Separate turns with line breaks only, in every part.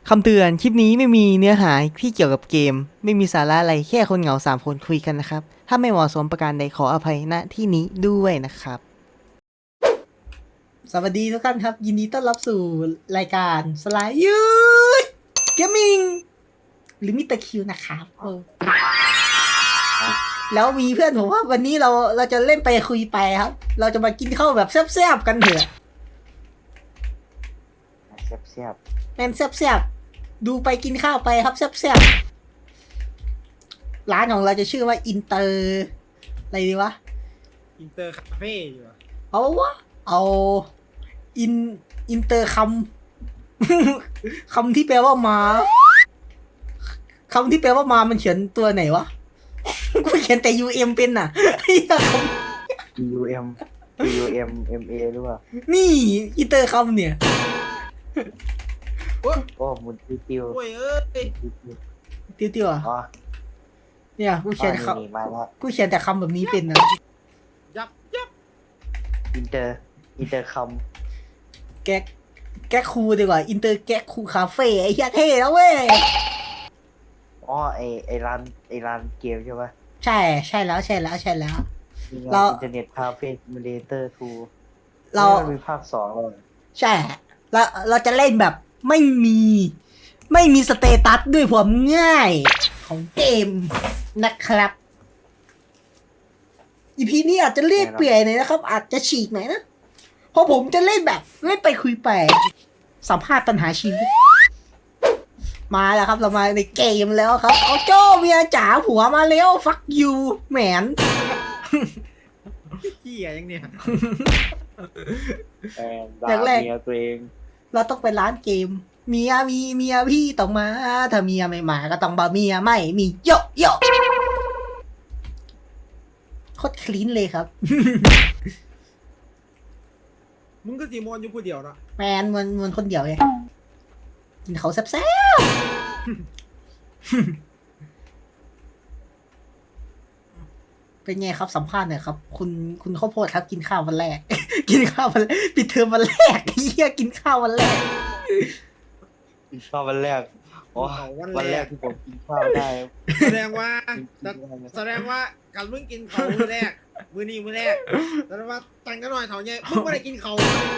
คำเตือนคลิปนี้ไม่มีเนื้อหาที่เกี่ยวกับเกมไม่มีสาระอะไรแค่คนเหงา3 คนคุยกันนะครับถ้าไม่เหมาะสมประการใดขออภัยณที่นี้ด้วยนะครับสวัสดีทุกท่านครับยินดีต้อนรับสู่รายการสไลด์ยูดเกมมิ่งหรือมิสเตอร์คิวนะครับแล้วมีเพื่อนผมว่าวันนี้เราจะเล่นไปคุยไปครับเราจะมากินข้าวแบบแซ่บๆกันเถอะ
เสียบ
แมนแซ่บๆดูไปกินข้าวไปครับแซ่บๆร้านของเราจะชื่อว่าอินเตอร์อะไรดีวะ
อินเตอร์คาเฟ่อยู่อะ
เอาวะเอาอินเตอร์คำ คำที่แปลว่ามาคำที่แปลว่ามามันเขียนตัวไหนวะ กูเขียนแต่ UM เป็นน่ะ ไอ้เหี้ยค
UM MA หรือเปล่า
ำนี่อินเตอร์คำเนี่ย
โอ้ย
โอ้มุนติว
โอ้ยเอ้ย
ติ้วๆอ่ะ
อ๋อ
เนี่ยกูเขียน
นี่มาแล้ว
กูเขียนแต่คำแบบนี้เป็นนะ
ยับ
อินเตอร์ค
แก๊กคูดีกว่าอินเตอร์แก๊กคูคาเฟ่ไอ้เหี้ยเท่แล้วเว้ย
ำอ๋อไอร้านเกมใช่ปะ
ใช่แล้ว
มี
เรา
งานอินเทอร์เน็ตคาเฟ่ซิมูเลเตอร์2
เรา
มีภาค2เลย
ใช่เราจะเล่นแบบไม่มีสเตตัสด้วยความง่ายของเกมนะครับอีพีนี้อาจจะเรียกเปื่อยหน่อยนะครับ อาจจะฉีกหน่อยนะเพราะผมจะเล่นแบบเล่นไปคุยไปสัมภาษณ์ปัญหาชีวิตมาแล้วครับเรามาในเกมแล้วครับเอาโจ้เมียจ๋าผัวมาแล้วฟักยูแหมน
ขี้อะยังเนี่ย
ด่า
แรกๆ
เมียตัวเอง
เราต้องไปร้านเกมเมียพี่ต้องมาถ้าเมียไม่มาก็ต้องบาเมียไม่มีโยโย่โคตรคลีนเลยครับ
มึงก็สีมอนอยู่ผู้เดียวเนาะ
แมนมันคนเดียวไงกินเขาแซ่บๆ เป็นไงครับสัมภาษณ์หน่อยครับ คุณข้าวโพดครับ กินข้าววันแรก กินข้าววันแรกปิดเทอมวันแรกเฮียกินข้าววันแรก
ชอบวันแรกอ๋อวันแรกที่ผมกินข้าวได้
แสดงว่าการมึงกินเขามือแรกมือนี้มือแรกแสดงว่าตังกันหน่อยเถาเนี่ยมึงไม่ได้กินเขา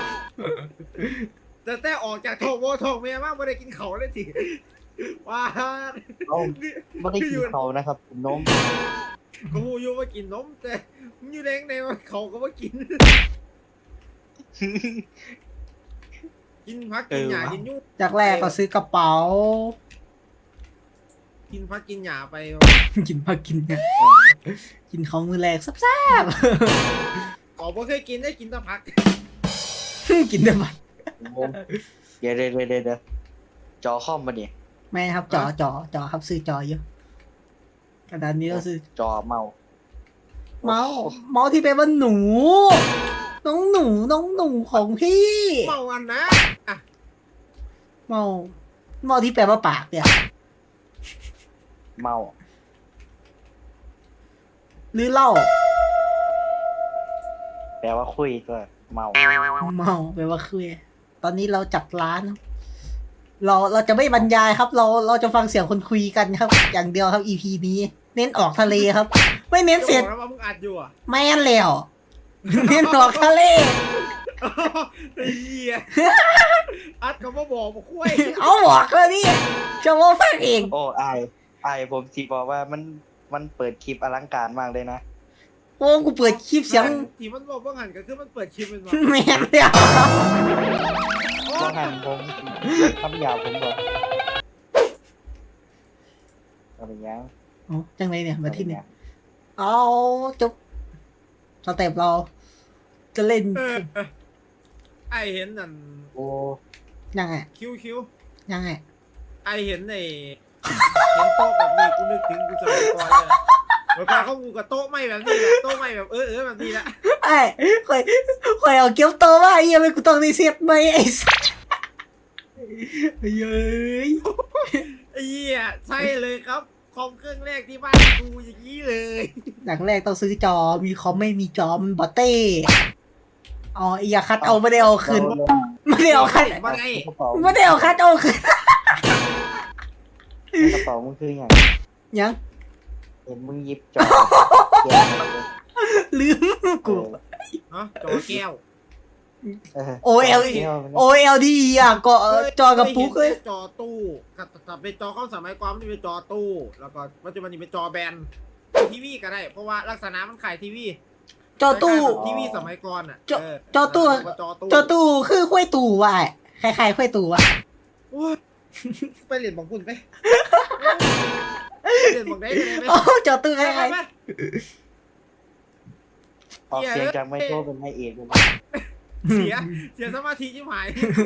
แต่ออกจากโถโวโถเมียมากไม่ได้กินเขาเลยทีว้า
เอ้าไม่ได้กินเขานะครับกินนม
ก็หูอยู่ว่ากินนมแต่มึงอยู่แดงในว่าเขาก็ว่ากิน กินพักกินหยากินยุ่ง
จากแรกก็ซื้อกระเป๋า
กินพักกินหยาไป
กินมากินเนี่ยกินของมือแรกแซ่บ
ขอบ่เคยกินได้กินแตะพัก
ๆ กินได้ไหม
เดี๋ยวจอคอมมาดิ
ไม่ครับจอครับซื้อจอเยอะกระดานนี้เราซื้อ
จอเมา
เมาส์ที่เป็นว่าหนู น้องหนูของพี่
เมาอันนะอ่ะ
เมาที่แปลว่าปากเนี่ย
เมา
หรือเหล้า
แปลว่าคุยก็เมา
เมาแปลว่าคุยตอนนี้เราจัดร้าน เราจะไม่บรรยายครับ เราจะฟังเสียงคนคุยกันครับ อย่างเดียวครับ EP นี้ เน้นออกทะเลครับ ไม่เน้นเสียง
จะบอกนะว่ามึงอัดอยู่อ่ะ
แม่นแล้ว เน้นออกทะเล
ไอ้เหี้ยอัดก็มาบอกมาคุย
เอาบอกเลยนี่จะว่าฟังเอง
โอ้ไอผมสิบอกว่ามันเปิดคลิปอลังการมากเลยนะ
โอ้กูเปิดคลิปเสียง
ที่มันบอกว่าหันก็คือมันเปิดคลิปเป็นว่า
แม่นแล้ว
ว่าหันผมคำหยาบผมบอกอะไรยัง
เอาจังไรเนี่ยมาที่เนี่ยเอาจบสเต็ปเราจะเล่น
ไอเห็นนั่น
โอ้
ยังไง
คิว
ยังไง
ไอเห็นในเห็นโต๊ะแบบนี้กูนึกถึงกูสมัยก่อนเลยเมื่อก่อนเขากูกับโต๊ะไม่แบบนี้แหละโต๊ะไม่แบบแบบนี้แหละ
ไอ้คอยเอาเกี๊ยวโตว่าไอ้ยังไม่กูต้องได้เซ็ตไหมไอ้สัสเย้ย
ไอ้เหี้ยใช่เลยครับคอมเครื่องแรกที่บ้านกูอย่างนี้เลย
อย่างแรกต้องซื้อจอมีคอมไม่มีจอมันบอเต้อ๋อไอ้ยาคัดเอาไม่ได้เอาคืนไม่ได้เอาคัด
มาไง
ไม่ได้เอาคัดเอาคืน
สองมึงคืออย่าง
ยัง
เห็นมึงหยิบจอแกะมาเลย
ลืมกู
ฮะจอแก้ว
OLED OLED อ่ะก็จอกระปุกเลย
จอตู้กับเป็นจอเข้าสมัยก่อนมันเป็นจอตู้ แล้วก็ปัจจุบันนี้เป็นจอแบนทีวีก็ได้ เพราะว่าลักษณะมันขายทีวี
จอตู้
ทีวีสมัยก่อนอ่ะ
จอตู้
จอตู้
จอตู้คือห้วยตู่ว่ะคล้ายๆห้วยตู่ว่ะ
โอ้ยไปเรียนบอกคุณไปเรียนบอกได้เลยไหม
โอ้จอตู้คล้าย
ไป
ออกเสียงจากไมโครเป็นไมเอกเลย
เสียสมาธิชิบหาย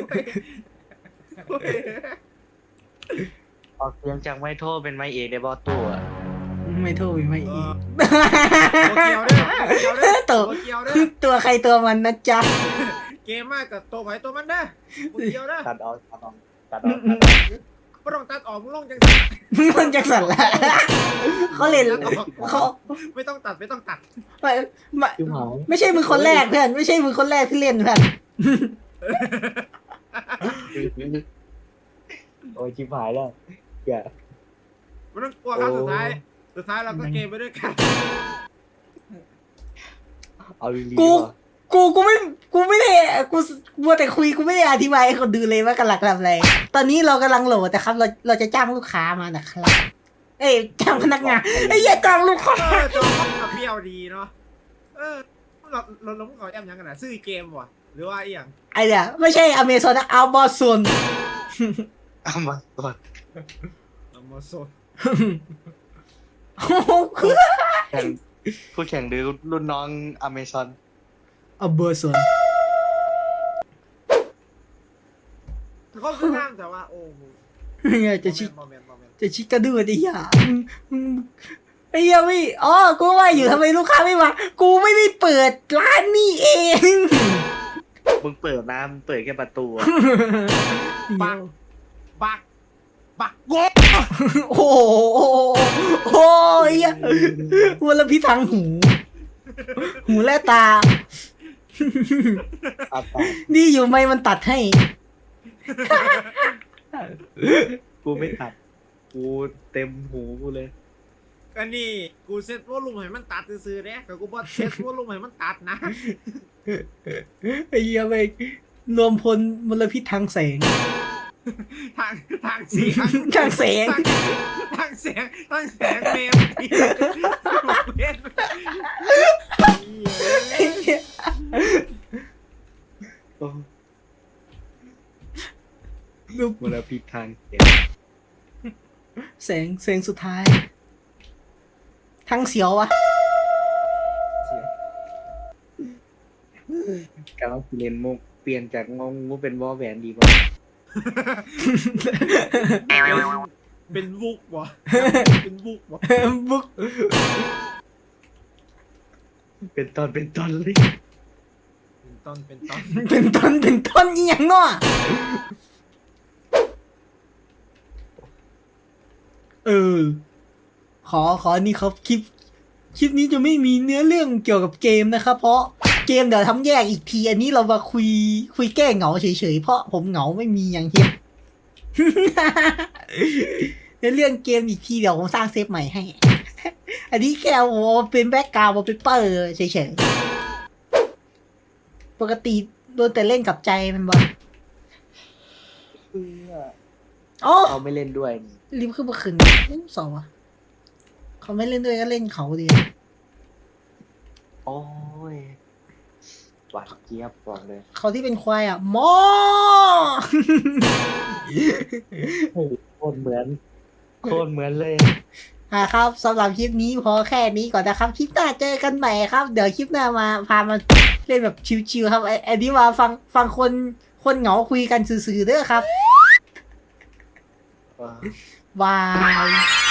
ออกเสียงจากไมโทรเป็นไมเอกในบอตู้อะ
ๆไม่โทษไม่
เอ
อี
อก โตเกียวเด้อโตเกียวเด้อ
ตัว
โตเกียวเด้อ
ตัวใครตัวมันนะจ๊ะ
เกมมากกับตัวไผ่ตัวมันเด้อโตเกียวเด้อ
ตัดออกตัดออกตัดออก
ไม่ต้องตัดออกมึงลงจังสิ
มันจะสั่นละเขาเล่นเขา
ไม่ต้องตัดไม่ต้องตัด
ไม่ไม่
จิ้มหาย
ไม่ใช่มือคนแรกเพื่อนไม่ใช่มือคนแรกที่เล่นเพื่อน
โอ้ยจิ้มหายแล้วอย่า
ไม่ต้องกลัวครับสุดท้ายเราก็เกมไปด้วยกัน
เอาลี
กูไม่ได้กูมัวแต่คุยกูไม่ได้อธิบายให้คนดูเลยว่ากำลังทำอะไรตอนนี้เรากำลังโหลดแต่ครับเราจะจ้างลูกค้ามานะครับเอ้ยจ้างพนักงานไอ้เหี้ยจ้างลูกค้า
จอกับเบี้ยวดีเนาะเราขอแอมยังกันนะซื้อเกมวะหรือว่าอีหยัง
ไอ้เนี่ยไม่ใช่อเมซอนนะอัลบอซน
เอามาก่อน
มาโซน
แข่งผู้แข่งหรือรุ่นน้องอเมซอน
อัลบอซน
เขาคือห้ามแต่ว่าโอ้โห
เนี่ยจะชิ
โมเมนต์
จะชิกระดูดไอ้เหี้ยไอ้เหี้ยไม่อ๋อกูว่าอยู่ทำไมลูกค้าไม่มากูไม่ได้เปิดร้านนี่เอง
มึงเปิดน้ำเปิดแค่ประตูอะ
บักโง่
โอ้โหโอ้ยเหี้ยมลพิษทางหู หูและตา
อาตา
นี่อยู่ไหมมันตัดให้
กูไม่ตัดกูเต็มหูกูเลย
ก็นี่กูเซ็ตวอลลุ่มให้มันตัดซื้อๆเนี่ยแต่กูบอกเซ็ตวอลลุ่มให้มันตัดนะ
ไอ้เหี้ยไปรวมพลมลพิษทางแสง
ทางเสียง
ทางแสง
ทางแสงเมมที่เล่น
ไอ้เหี้ย
โอ้
รูป
มลพิษทางเสียง
แสงสุดท้าย ทางเสียววะ
การว่าเรียนมุกเปลี่ยนจากงงงูเป็นวอแหวนดีกว่า
เป็นบุกวะเป็นบุกวะ
บุ๊ก
เป็นตอนเลย
เป็นต้น
เป็นต้นอีหยังเนาะขอนี่ครับคลิปนี้จะไม่มีเนื้อเรื่องเกี่ยวกับเกมนะครับเพราะเกมเดี๋ยวทำแยกอีกทีอันนี้เรามาคุยแก้เหงาเฉยๆเพราะผมเหงาไม่มีอย่างเฮ็ด เนื้อเรื่องเกมอีกทีเดี๋ยวผมสร้างเซฟใหม่ให้ อันนี้แค่โอ้เป็นแบ็กกราวด์เป็นเปอร์เฉยๆปกติโดนแต่เล่นกับใจมันบ่ อ๋อ
เขาไม่เล่นด้วย
รีบขึ้นมาขึ้นสองวะเขาไม่เล่นด้วยก็เล่นเขาดี
โอ้ยหวานเจี๊ยบบอกเลย
เขาที่เป็นควายอ่ะหมอ
โคตรเหมือนเลย
ครับสำหรับคลิปนี้พอแค่นี้ก่อนนะครับคลิปหน้าเจอกันใหม่ครับ เดี๋ยวคลิปหน้ามาพามาเล่นแบบชิวๆครับไอ้นี่มาฟังคนเหงาคุยกันซื่อๆเด้อครับบาย